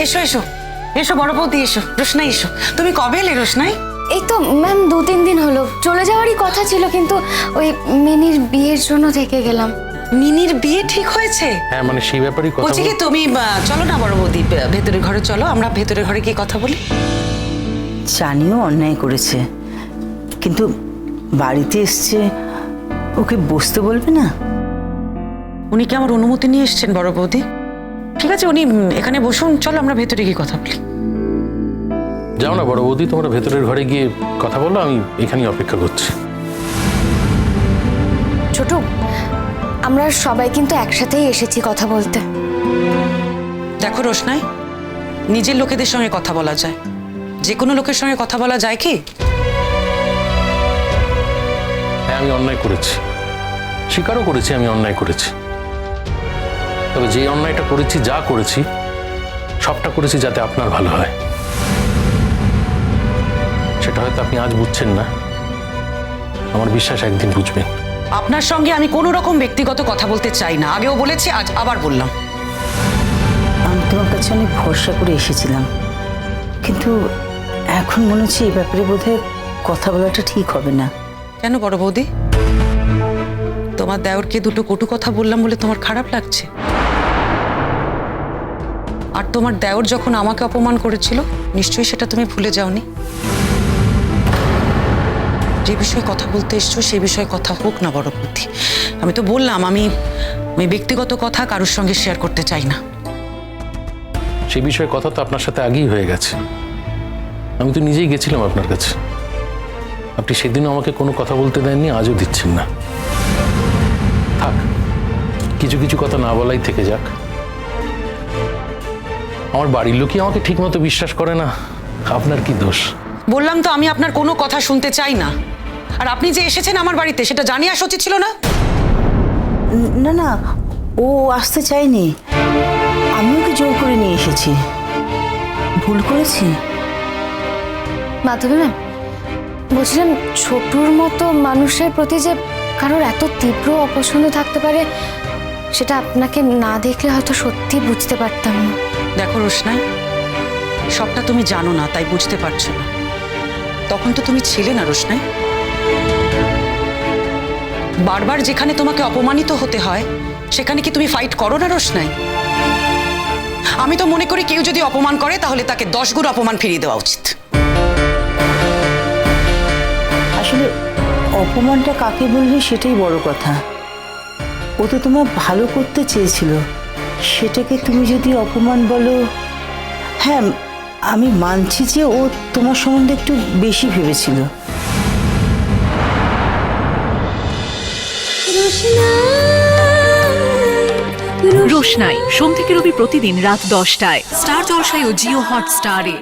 এসো এসো এসো বড় বৌদি, এসো। রোশনাই এসো। তুমি কবে এলে রোশনাই? এই তো ম্যাম 2-3 দিন হলো। চলে যাওয়ারই কথা ছিল, কিন্তু ওই মিনির বিয়ের জন্য থেকে গেলাম। মিনির বিয়ে ঠিক হয়েছে? হ্যাঁ মানে সেই ব্যাপারেই কথা বলছি কি, তুমি চলো না বড় বৌদি, ভেতরের ঘরে চলো, আমরা ভেতরের ঘরে গিয়ে কথা বলি। জানিও অন্যায় করেছে, কিন্তু বাড়িতে এসছে, ওকে বসতে বলবে না? উনি কি আমার অনুমতি নিয়ে এসেছেন বড় বৌদি? ঠিক আছে, উনি এখানে বসুন, চলো আমরা ভেতরে গিয়ে কথা বলি। যাও না বড় বৌদি, তোমরা ভেতরের ঘরে গিয়ে কথা বলো, আমি এখানেই অপেক্ষা করছি। ছোট, আমরা সবাই কিন্তু একসাথেই এসেছি কথা বলতে। দেখো রোশনাই, নিজের লোকেদের সঙ্গে কথা বলা যায়, যে কোনো লোকের সঙ্গে কথা বলা যায় কি? হ্যাঁ আমি অন্যায় করেছি, স্বীকারও করেছি আমি অন্যায় করেছি। তবে যে অন্যায়টা করেছি, যা করেছি, সবটা করেছি যাতে আপনার ভালো হয়। সেটা হয়তো আপনি আজ বুঝছেন না, আমার বিশ্বাস একদিন বুঝবেন। আপনার সঙ্গে আমি কোনো রকম ব্যক্তিগত কথা বলতে চাই না, আগেও বলেছি, আজ আবার বললাম। আমি তোমার কাছে অনেক ভরসা করে এসেছিলাম, কিন্তু এখন মনে হচ্ছে এই ব্যাপারে বোধহয় কথা বলাটা ঠিক হবে না। কেন বড় বৌদি, তোমার দেওরকে দুটো কটু কথা বললাম বলে তোমার খারাপ লাগছে? আর তোমার দেওর যখন আমাকে অপমান করেছিল, নিশ্চয়ই সেটা তুমি ভুলে যাওনি। যে বিষয়ে কথা বলতে এসছো সেই বিষয়ে কথা হোক না বড় বৌদি। আমি তো বললাম, আমি ব্যক্তিগত কথা কারোর সঙ্গে শেয়ার করতে চাই না। সেই বিষয়ে কথা তো আপনার সাথে আগেই হয়ে গেছে, আমি তো নিজেই গেছিলাম আপনার কাছে। আপনি সেদিনও আমাকে কোনো কথা বলতে দেননি, আজও দিচ্ছেন না। থাক, কিছু কিছু কথা না বলাই থেকে যাক। আমার বাড়ির লোকই আমাকে ঠিক মতো বিশ্বাস করে না, আপনার কি দোষ? বললাম তো, আমি আপনার কোনো কথা শুনতে চাই না। আর আপনি যে এসেছেন আমার বাড়িতে, সেটা জানিয়ে আসা উচিত ছিল না? না না, ও আসতে চাইনি, আমি ওকে জোর করে নিয়ে এসেছি। ভুল করেছি। মাধবী ম্যাম, বলছিলাম ছোটুর মতো মানুষের প্রতি যে কারোর এত তীব্র অপছন্দ থাকতে পারে, সেটা আপনাকে না দেখলে হয়তো সত্যি বুঝতে পারতাম না। দেখো রোশনাই, সবটা তুমি জানো না, তাই বুঝতে পারছো না। তখন তো তুমি ছিলে না রোশনাই। বারবার যেখানে তোমাকে অপমানিত হতে হয়, সেখানে কি তুমি ফাইট করো না রোশনাই? আমি তো মনে করি, কেউ যদি অপমান করে তাহলে তাকে 10 গুণ অপমান ফিরিয়ে দেওয়া উচিত। আসলে অপমানটা কাকে বলবে সেটাই বড় কথা। ও তো তোমার ভালো করতে চেয়েছিল, সেটাকে তুমি যদি অপমান বলো। হ্যাঁ, আমি মানছি যে ও তোমার সম্বন্ধে একটু বেশি ভেবেছিল। রোশনাই সোম থেকে রবি প্রতিদিন রাত 10টায় স্টার জলসায় ও জিও হটস্টারে।